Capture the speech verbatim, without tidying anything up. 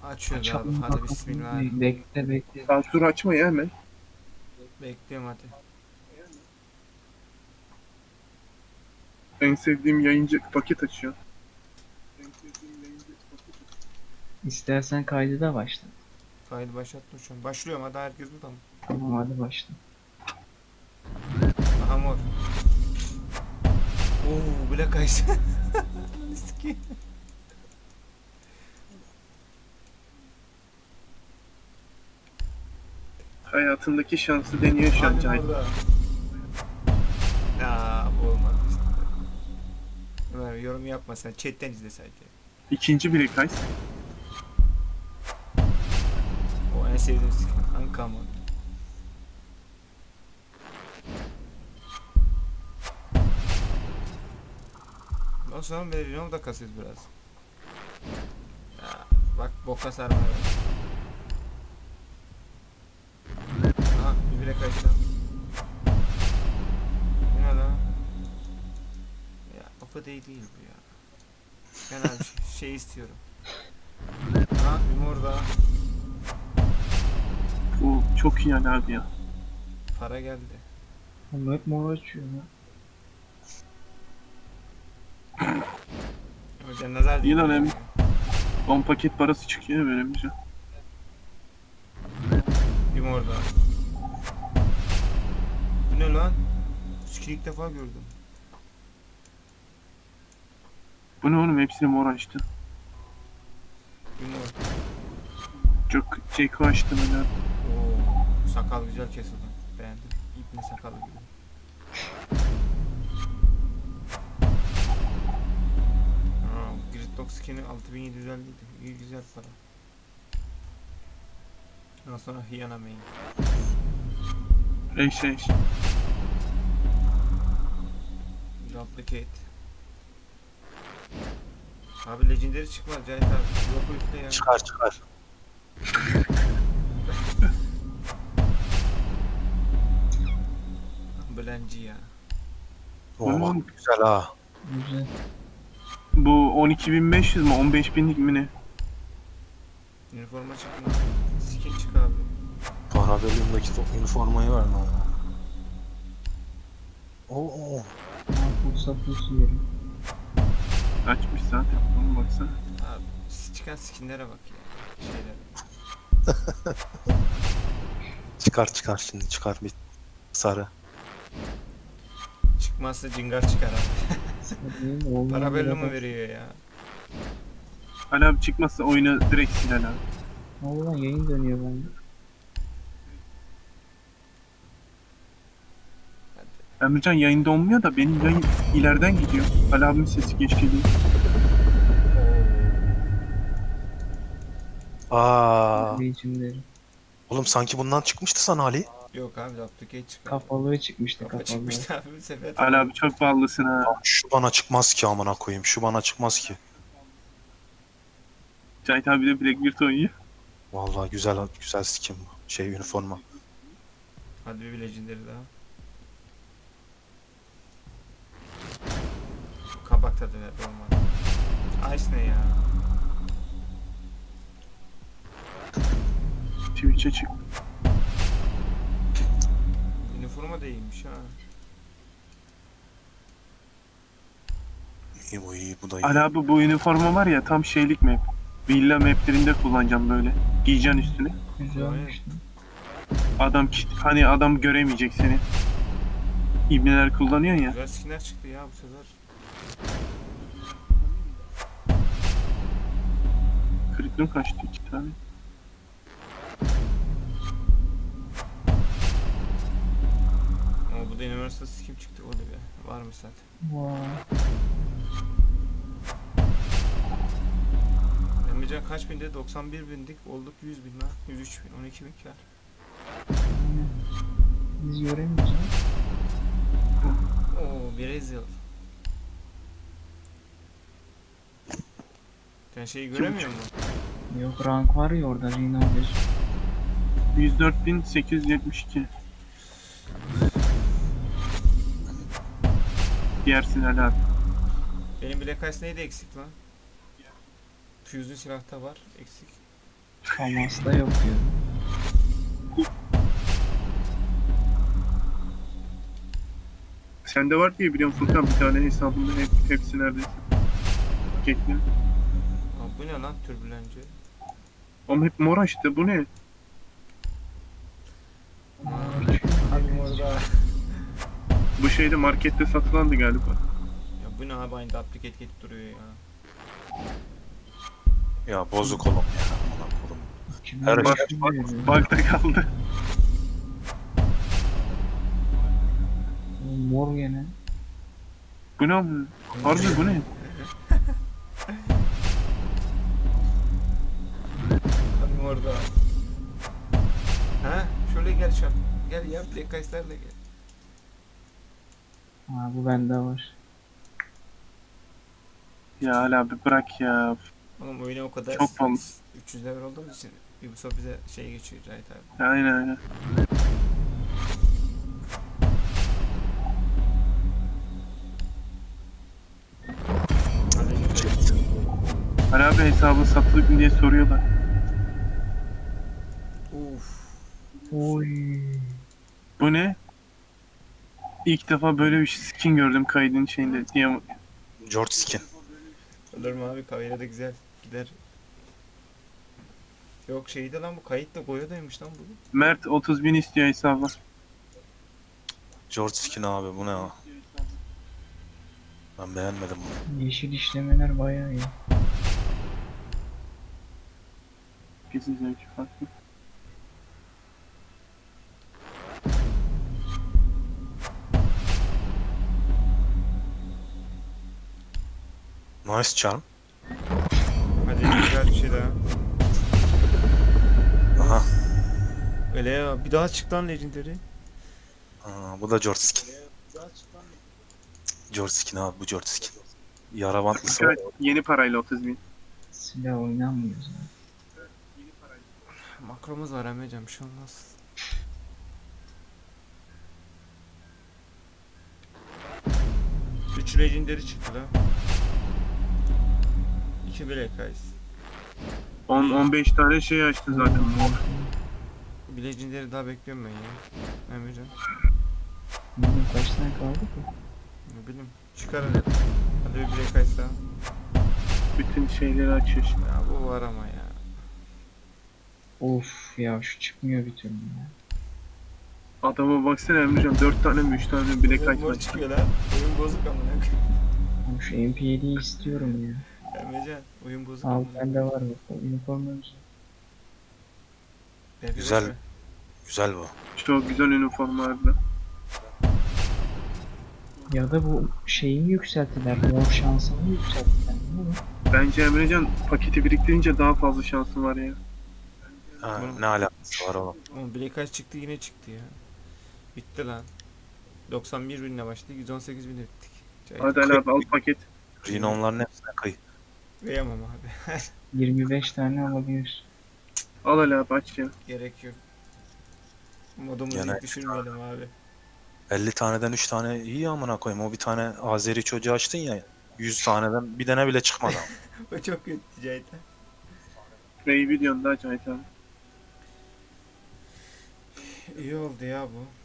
Açıyoruz abi. Açalım Hadi bakalım. bismillah. Bekle bekle. Saat dur açma ya hemen. Bekliyorum hadi. En sevdiğim yayıncı paket açıyor. İstersen kaydı da başla. Kaydı başlattım şu an. Başlıyorum hadi, herkes burada mı? Tamam hadi başla. Aha mor. Oo Black Eyes. Siki. Hayatındaki şansı deniyor şu an Hadi Cahit. orada. Ya bu olmadı işte. Ömer yorum yapma sen. Chatten izle sadece. İkinci bir kays. O en sevdiğim skin. Uncommon. Ondan sonra Merino da kasıyoruz biraz. Ya, bak boka sarma. Aha bir bile kaçtı. Bu ne lan? Ya opa değil değil bu ya. Ben abi şey, şey istiyorum. Ha bir mor daha. Bu çok iyi yani abi ya. Para geldi. Ama hep mor açıyor ya. Hocam nazar İyi değil. lan hem on paket parası çıkıyor böyle bir şey. Bir mor daha. Bu ne lan? Skin ilk defa gördüm. Bu ne oğlum, hepsini mor açtı. Bir mor. Çok Ceko açtı böyle. Oo, sakal güzel kesildi. Beğendim. İpne sakalı gibi. Aa, Gridlock skin'i altı bin yedi yüz elli idi. İyi güzel para. Ondan sonra Hyena main. Eş eş. Duplicate. Abi legendary çıkmaz Cahit abi. Yok o yükle ya. Çıkar çıkar. Blenci ya. Bu ne Oo, oğlum? güzel ha. Güzel. Bu on iki bin beş yüz mü on beş binlik mi ne? Üniforma çıkmaz. Skin çık abi. Para bölümündeki üniformayı ver lan. Oo. Ha, pulsa pulsu yerim. Açmış zaten. Oğlum baksana. Abi çıkan skinlere bak ya. Şeylere. Çıkar çıkar şimdi çıkar bir sarı. Çıkmazsa cingar çıkar abi. Hadi, olmayan Para belli mi bile bak. veriyor ya? Ali abi çıkmazsa oyunu direkt sil Ali abi. Allah yayın dönüyor bende. Emrecan yayında olmuyor da benim yayın ileriden gidiyor. Ali abimin sesi geç geliyor. Aa. Legendary. Oğlum sanki bundan çıkmıştı sana Ali. Yok abi duplicate çıkar. Kafalığı çıkmıştı Kafa kafalığı. çıkmıştı abi bu sefer. Ali abi çok ballısın ha. Şu bana çıkmaz ki amına koyayım. Şu bana çıkmaz ki. Cahit abi de Blackbeard oynuyor. Vallahi güzel güzel skin bu. Şey üniforma. Hadi bir legendary daha. Kabak tadı ver olmadı. Ice ne ya? Twitch'e çık. Üniforma da iyiymiş ha. İyi bu iyi bu da iyi. Ali abi bu üniforma var ya tam şeylik map. Villa maplerinde kullanacağım böyle. Giyeceksin üstüne. Güzelmiş lan. Adam kit, hani adam göremeyecek seni. İbneler kullanıyor ya. Güzel skinler çıktı ya bu sefer. Kırıklığım kaçtı iki tane. Ama bu da Universal skin çıktı o da be. Varmış zaten. Vay. Emrecan kaç binde? doksan bir bindik. Olduk yüz bin lan. yüz üç bin. on iki bin kar. Aynen. Biz göremiyoruz ha. Oo Brazil. Sen şeyi göremiyor musun? Yok rank var ya orada Rina bir. yüz dört bin sekiz yüz yetmiş iki. Diğersin Ali abi. Benim Black Ice neydi eksik lan? Fuse'un silahta var. Eksik. Famas'ta yok diyor. Sende var diye biliyorum Furkan, bir tane hesabında hep, hepsi neredeyse. Paketli. Aa, bu ne lan türbülenci? Ama hep mor açtı, bu ne? Abi orada. Bu şeyde markette satılandı galiba. Ya bu ne abi, aynı duplicate gelip duruyor ya. Ya bozuk oğlum ya. Aman oğlum. Kimler Her Bak, şey bak, veriyor? bug'da kaldı. Mor gene. Bu ne amına? Harbi bu ne? Abi orada. Ha? Şöyle gel şap. Gel ya, Black Ice'lerle gel. Ha bu bende var. Ya hala bir bırak ya. Oğlum oyuna o kadar Çok pahalı. üç yüz level olduğumuz için Ubisoft bize şey geçiyor Cahit abi. Aynen aynen. Hadi. Ali abi hesabı satılık mı diye soruyorlar. Uf. Oy. Bu ne? İlk defa böyle bir skin gördüm kaydın şeyinde. Diye George Skin. Olur mu abi, kayıda da güzel gider. Yok şeyde lan, bu kayıtla Goya'daymış lan bu. Mert otuz bin istiyor hesabı. George Skin abi bu ne ya? Ben beğenmedim bunu. Yeşil işlemeler bayağı iyi. Kesin zevki farklı. Nice charm. Hadi güzel bir şey daha. Aha. Öyle ya, bir daha çık lan Legendary. Aa, bu da George Skin. George Skin abi, bu George Skin. Yara bantlısı var. Evet, yeni parayla otuz bin. Silah oynanmıyor zaten. Makromuz var Emrecan, bir şey olmaz. üç Legendary çıktı lan. iki Black Ice. on on beş tane şey açtı zaten. Bir Legendary daha bekliyorum ben ya. Emrecan. Bilmiyorum kaç tane kaldı ki? Ne bileyim. Çıkar hadi. Hadi bir Black Ice daha. Bütün şeyleri açıyor şimdi. Ya bu var ama ya. Of ya şu çıkmıyor bir türlü ya. Adama baksana Emrecan, dört tane mi üç tane mi bilek Oyun mor açmış. çıkıyor lan. Oyun bozuk amına. Ama şu M P yediyi istiyorum ya. Emrecan, oyun bozuk Al amına. bende var bak. O üniformamız. Ver bir Güzel. boş ver. Güzel bu. Çok güzel üniforma harbiden. Ya da bu şeyi mi yükselttiler? Mor şansını mı yükselttiler? Ne bu? Bence Emrecan paketi biriktirince daha fazla şansın var ya. Ha, Bunu- ne alakası var oğlum? Oğlum Black Ice çıktı, yine çıktı ya. Bitti lan. doksan bir binle başladık, yüz on sekiz binle bittik. Cahit. Hadi Ali abi al paket. Rhinonların hepsine kıy. Kıyamam abi. yirmi beş tane alabilir. Al Ali abi aç ya. Gerek yok. Modumuzu Gene- yük düşürmeyelim abi. elli taneden üç tane iyi amına koyayım. O bir tane Azeri çocuğu açtın ya. yüz taneden bir tane bile çıkmadı. O çok kötü Cahit. Neyi biliyorsun daha Cahit abi. İyi oldu ya bu.